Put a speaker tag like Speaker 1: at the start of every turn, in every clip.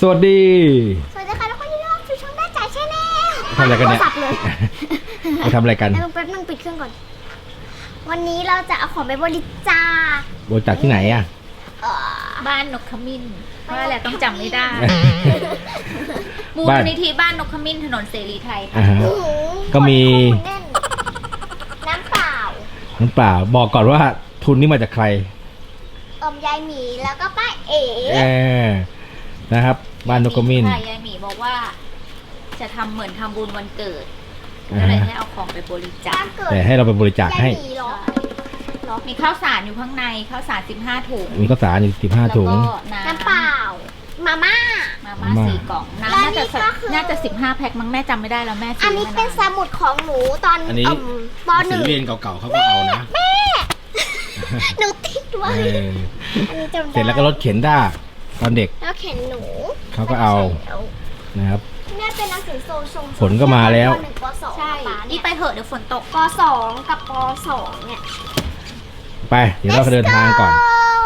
Speaker 1: สวัสดี
Speaker 2: ค่ะทุกคนที่รักสู่ช่องแม่จ๋าชาแนล
Speaker 1: ทำอะไรกันเนี่ยไปทำอะไรกัน
Speaker 2: แป๊บนึงปิดเครื่องก่อนวันนี้เราจะเอาของไปบริจาค
Speaker 1: ที่ไหนอ่ะ
Speaker 3: บ้านนกขมิ้นเพราะอะไรต้องจำไม่ได้มูลนิธิบ้านนกขมิ้นถนนเสรีไทย
Speaker 1: ก็มี
Speaker 2: น้ำเป
Speaker 1: ล่าบอกก่อนว่าทุนนี้มาจากใคร
Speaker 2: ยายหมีแล้วก็ป้าเอ๋
Speaker 1: นะครับบ้านนกขมิ้น
Speaker 3: ยายหมีบอกว่าจะทำเหมือนทำบุญวันเกิดก็เลยให้เอาของไปบริจาค
Speaker 1: แต่ให้เราไปบริจาคให้
Speaker 3: มีข้าวสารอยู่ข้างในข้าวสาร15 ถุง
Speaker 1: มีข้าวสารอยู่15 ถุง
Speaker 2: น้ำเปล่ามาม่า
Speaker 3: 4 กล่องน้ำน่าจะ15 แพ็คมั้งแม่จำไม่ได้แล้วแม่
Speaker 2: อันนี้เป็นสมุดของหนูตอนป.1
Speaker 1: ศิลปินเรียนเก่าๆเขาก็เอานะ
Speaker 2: แม่หนูติดไว้
Speaker 1: เสร็จแล้วก็รถเข็นได้ตอนเด็ก
Speaker 2: แล้วเข็นหนู
Speaker 1: เขาก็เอานะครับ
Speaker 2: แม่เป็นหนังสือโซชง
Speaker 1: ฝนก็มาแล้ว
Speaker 3: ใช่นี่ไปเหอะเดี๋ยวฝนตก
Speaker 2: ป.2กับป.2เนี่ย
Speaker 1: ไปเดี๋ยวเราเดินทางก่อน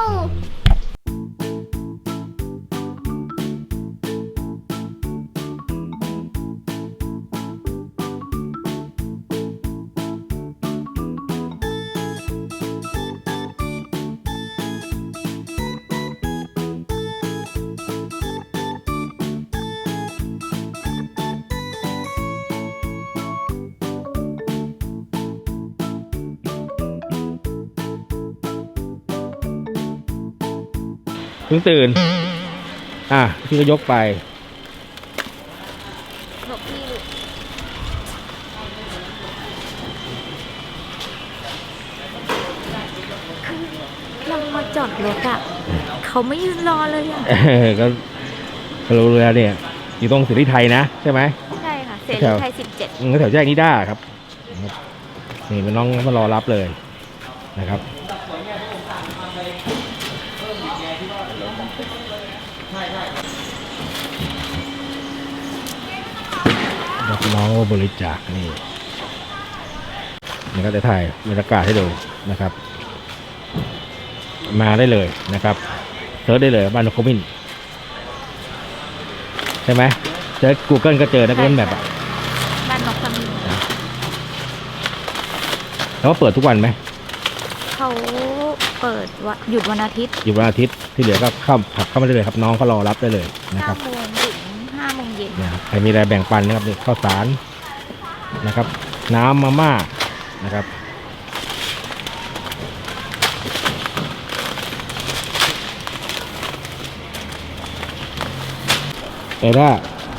Speaker 1: เพิ่งตื่นพี่ก็ยกไป
Speaker 3: เรามาจอดรถอ่ะเขาไม่ยืนรอเลยอ่ะ
Speaker 1: ก็รู้แล้วเนี่ยอยู่ตรงเสรีไทยนะใช่ไหม
Speaker 3: ใช่ค่ะเสรีไทย17
Speaker 1: แถวแยกนิด้าครับนี่น้องมารอรับเลยนะครับรับน้องบริจาคนี่ก็จะถ่ายบรรยากาศให้ดูนะครับมาได้เลยนะครับเซิร์ชได้เลยบ้านนกขมิ้นใช่ไหมเซิร์ช Google ก็เจอนะGoogle Map
Speaker 3: บ้านนกขมิ้น
Speaker 1: แล้วก็เปิดทุกวันไหม
Speaker 3: เขาเปิดหยุดวันอาทิตย์
Speaker 1: ที่เหลือก็ขับเข้ามาได้เลยครับน้องเขารอรับได้เลยนะครับ
Speaker 3: 9 โมงถึง5 โมงเย็น
Speaker 1: ใครมีอะไรแบ่งปันนะครับข้าวสารนะครับน้ำมาม่านะครับแต่ถ้า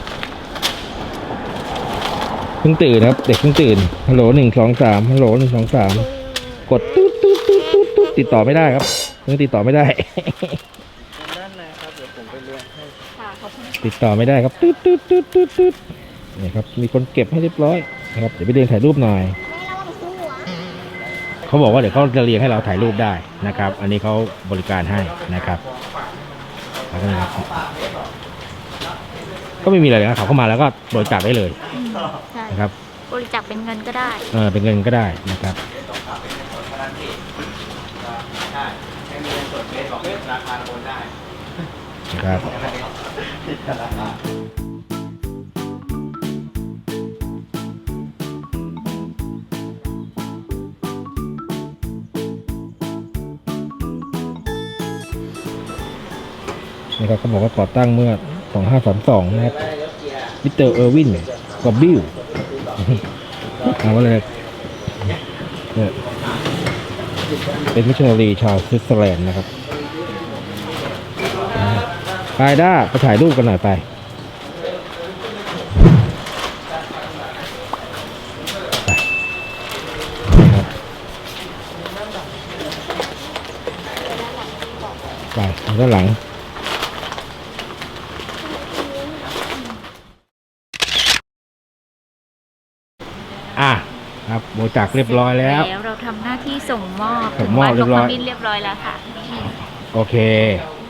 Speaker 1: เพิ่งตื่นครับเด็กเพิ่งตื่นฮัลโหล123ฮัลโหล123กดตุ๊ดติดต่อไม่ได้ครับยังติดต่อไม่ได้ด้านในครับเดี๋ยวผมไปเรียนให้ติดต่อไม่ได้ครับตุ๊ดนี่ครับมีคนเก็บให้เรียบร้อยนะครับเดี๋ยวไปเรียนถ่ายรูปหน่อยเขาบอกว่าเดี๋ยวเขาจะเรียงให้เราถ่ายรูปได้นะครับอันนี้เขาบริการให้นะครับแล้วก็นะครับก็ไม่มีอะไรนะเขาเข้ามาแล้วก็บริจาคได้เลยนะครับ
Speaker 3: บริจาคเป็นเงินก็ได้
Speaker 1: เป็นเงินก็ได้นะครับครับนะครับเขาบอกว่าก่อตั้งเมื่อ2532นะครับมิสเตอร์เออร์วินกอบบิลเอาว่าเลยเป็นมิชชันนารีชาวสวิตเซอร์แลนด์นะครับไปด้าไปถ่ายรูปกันหน่อยไปด้านหลังครับบริจาคเรียบร้อยแล้ว
Speaker 3: เราทำหน้าที่ส่งมอบ
Speaker 1: เรียบร้อย
Speaker 3: แล้วค่ะ
Speaker 1: โอเคไป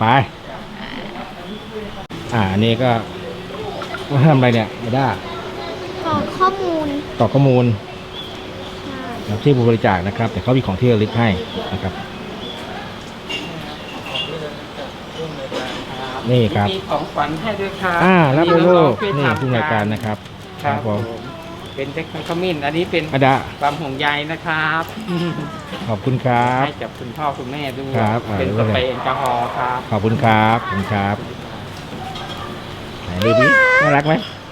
Speaker 1: อันนี้ก็ทำอะไรเนี่ยด้ากรอกข้อมูลที่บริจาคนะครับแต่เขามีของที่ระลึกให้นะครับนี่ครับ
Speaker 4: มีของขวัญให้ด้วยครับ
Speaker 1: รับไปลูก
Speaker 4: ช่วย
Speaker 1: นี่
Speaker 4: ทำ
Speaker 1: ผู้รายการนะครับ
Speaker 4: ครับผมเป็นเทคนิคขมิ้นอันนี้เป็น
Speaker 1: อาดา
Speaker 4: ความห่วงใยนะครับ
Speaker 1: ขอบคุณครับ
Speaker 4: ให้กับคุณพ่อคุณแม่ด้วย
Speaker 1: ครับ
Speaker 4: เป็นสเปรย์แอลกอฮอล์ครับ
Speaker 1: ขอบคุณครับขอบคุณครับไหนดูดิน่ารักไหม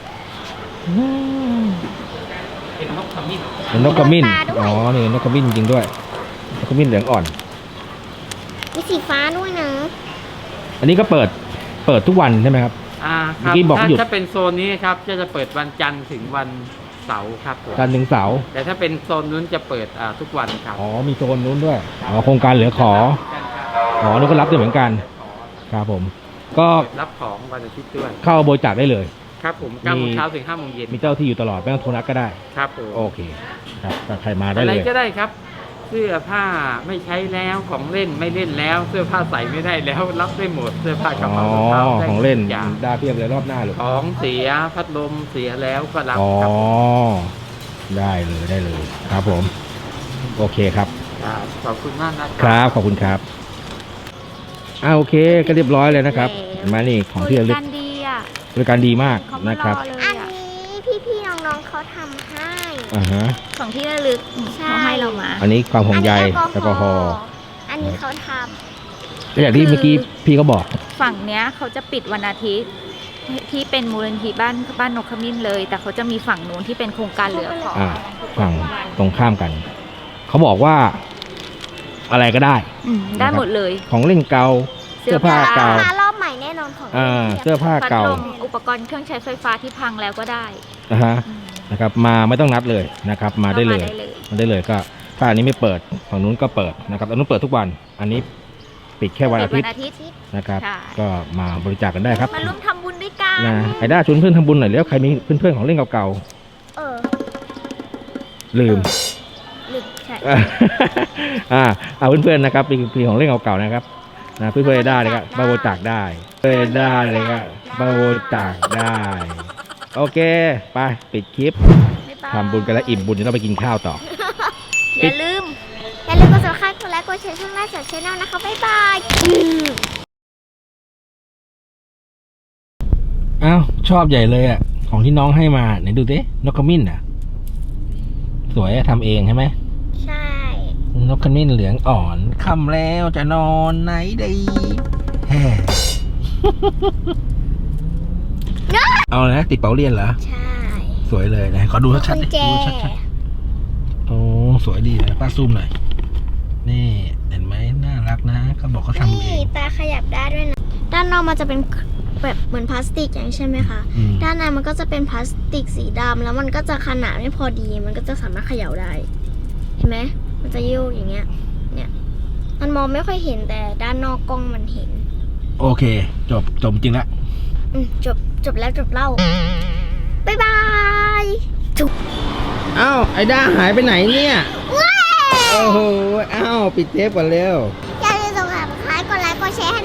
Speaker 4: เป็นนกขมิ้น
Speaker 1: เป็นนกขมิ้นอ๋อนี่นกขมิ้นจริงด้วยนกขมิ้นเหลืองอ่อน
Speaker 2: มีสีฟ้าด้วยนะ
Speaker 1: อันนี้ก็เปิดทุกวันใช่ไหมครับ
Speaker 4: ค
Speaker 1: เมื่
Speaker 4: รั
Speaker 1: อกี้บอกหยุด
Speaker 4: ถ้าเป็นโซนนี้ครับจะเปิดวันจันทร์ถึงวันเสาร์ครับผม
Speaker 1: จันทร์ถึงเสาร์
Speaker 4: แต่ถ้าเป็นโซนนู้นจะเปิดทุกวันครับ
Speaker 1: อ๋อมีโซนนู้นด้วยอ๋อโครงการเหลือขออ๋อนี่ก็รับด้วยเหมือนกันครับผม ก็
Speaker 4: รับของวันอาทิตย์ด้วย
Speaker 1: เข้าบริจาคได้เลย
Speaker 4: ครับผม9โมงเช้าถึง5โมงเย็น
Speaker 1: มีเจ้าที่อยู่ตลอดไม่ต้องโทรนัดก็ได้
Speaker 4: ครับผม
Speaker 1: โอเคครับถ้าใครมาได้
Speaker 4: อะไร
Speaker 1: เลย
Speaker 4: ก็ได้ครับ เสื้อผ้าไม่ใช้แล้วของเล่นไม่เล่นแล้ว เสื้อผ้าใส่ไม่ได้แล้วรับได้หมดเสื้อผ้ากระ
Speaker 1: อ๋อ
Speaker 4: เป๋ารองเท้าได้
Speaker 1: ของเล่น
Speaker 4: ทุกอย่าง
Speaker 1: ได้เพียบเลยรอบหน้าหรือ
Speaker 4: ของเสียพัดลมเสียแล้วก็รับ
Speaker 1: อ๋อ
Speaker 4: ครับ
Speaker 1: ได้เลยครับผม โอเคครับ
Speaker 4: ครับขอบคุณมากนะ
Speaker 1: ครับขอบคุณครับโอเคก็เรียบร้อยเลยนะครับมานี่ของที่ระลึก
Speaker 3: กันดีอ่ะ
Speaker 1: บริการดีมาก
Speaker 3: เขามา
Speaker 1: นะ
Speaker 3: ร
Speaker 1: ครั
Speaker 3: อบ เลย
Speaker 2: อัน
Speaker 3: อ่ะ
Speaker 2: นี้พี่ๆน้องๆเขาทำให้
Speaker 1: ฮะ
Speaker 3: ของที่ระลึก
Speaker 2: ใช่
Speaker 3: เขาให้เรามา
Speaker 1: อันนี้ความห่วงใย
Speaker 2: อัน
Speaker 1: แอ
Speaker 2: นี้
Speaker 1: ลกอฮอล์
Speaker 2: อันนี้เขาท
Speaker 1: ก็อย่างที่เมื่อกี้พี่เขาบอก
Speaker 3: ฝั่งเนี้ยเขาจะปิดวันอาทิตย์ที่เป็นมูลนิธิบ้านนกขมิ้นเลย แต่เขาจะมีฝั่งนู้นที่เป็นโครงการเหลือขอ
Speaker 1: ฝั่งตรงข้ามกัน เขาบอกว่า อะไรก็ได้
Speaker 3: ได้หมดเลย
Speaker 1: ของเล่นเก่าเสื้อผ้า
Speaker 2: ำ
Speaker 1: เก่า
Speaker 2: มารอบใหม่แน่นอนของ
Speaker 1: เสื้อผ้า
Speaker 3: พัด
Speaker 1: เก่า
Speaker 3: ลมอุปกรณ์เครื่องใช้ไฟฟ้าที่พังแล้วก็ได้
Speaker 1: นะฮะนะครับ มาไม่ต้องนัดเลยนะครับ มาได้เลย มาได้เลยก็ถ้าอันนี้ไม่เปิดฝั่งนู้นก็เปิดนะครับอันนู้นเปิดทุกวัน อันนี้ปิดแค่วันอาทิตย์ นะครับ
Speaker 3: ใช่
Speaker 1: ก็มาบริจาคกันได้ครับ
Speaker 3: มาร่วมทำบุญด้วยกัน
Speaker 1: นะไอ้ด้าชวนเพื่อนทำบุญหน่อยแล้วใครมีเพื่อนๆของเล่นเก่า
Speaker 2: เออ
Speaker 1: ๆลืม
Speaker 2: ลึกใช่
Speaker 1: เอาเพื่อนๆนะครับมีของเล่นเก่าๆนะครับนะเพื่อนๆไอ้ด้าเลยครับมาบริจาคได้เพื่อนไอ้ด้าเลยครับมาบริจาคได้ โอเคไปปิดคลิป
Speaker 3: บ๊ายบาย
Speaker 1: ทำบุญกันแล้วอิ่มบุญเดี๋ยวเราไปกินข้าวต่อ
Speaker 3: อย่าลืม
Speaker 2: อย่าลืมกด subscribe กดไลค์กดแชร์ช่องหน้าจากช่องนะคะ บ๊ายบาย
Speaker 1: อ้าวชอบใหญ่เลยอ่ะของที่น้องให้มาไหนดูสินกขมิ้นอ่ะ สวยอะทำเองใช่ไหม
Speaker 2: ใช่
Speaker 1: นกขมิ้นเหลืองอ่อนค่ำแล้วจะนอนไหนดีแฮ่ เอาเลยนะติดเป๋าเรียนเหรอ
Speaker 2: ใช่
Speaker 1: สวยเลยนะขอดูชัดๆ
Speaker 2: กุ
Speaker 1: ดิ
Speaker 2: ญแจ
Speaker 1: ดูชัดๆโอ้สวยดีนะป้าซูมหน่อยนี่เห็นไหมน่ารักนะเขาบอกเขาทำเอ
Speaker 2: นี่
Speaker 1: ง
Speaker 2: ตาขยับได้ด้วยนะ ด้านนอกมันจะเป็นแบบเหมือนพลาสติกอย่างนี้ใช่ไหมคะ
Speaker 1: อืม
Speaker 2: ด้านในมันก็จะเป็นพลาสติกสีดำแล้วมันก็จะขนาดไม่พอดี มันก็จะสามารถเขย่าได้ เห็นไหมมันจะยิ้วอย่างเงี้ย เนี่ย มันมองไม่ค่อยเห็นแต่ด้านนอกกล้องมันเห็น
Speaker 1: โอเค จบจริงละ
Speaker 2: จบแล้วจบเล่า บ๊ายบาย
Speaker 1: อ้าวไอ้ด้าหายไปไหนเนี่ย โอ้โหอ้าวปิดเทปก่อนเร็ว
Speaker 2: อย่าลืมกด subscribe กดไลค์กดแชร์ให้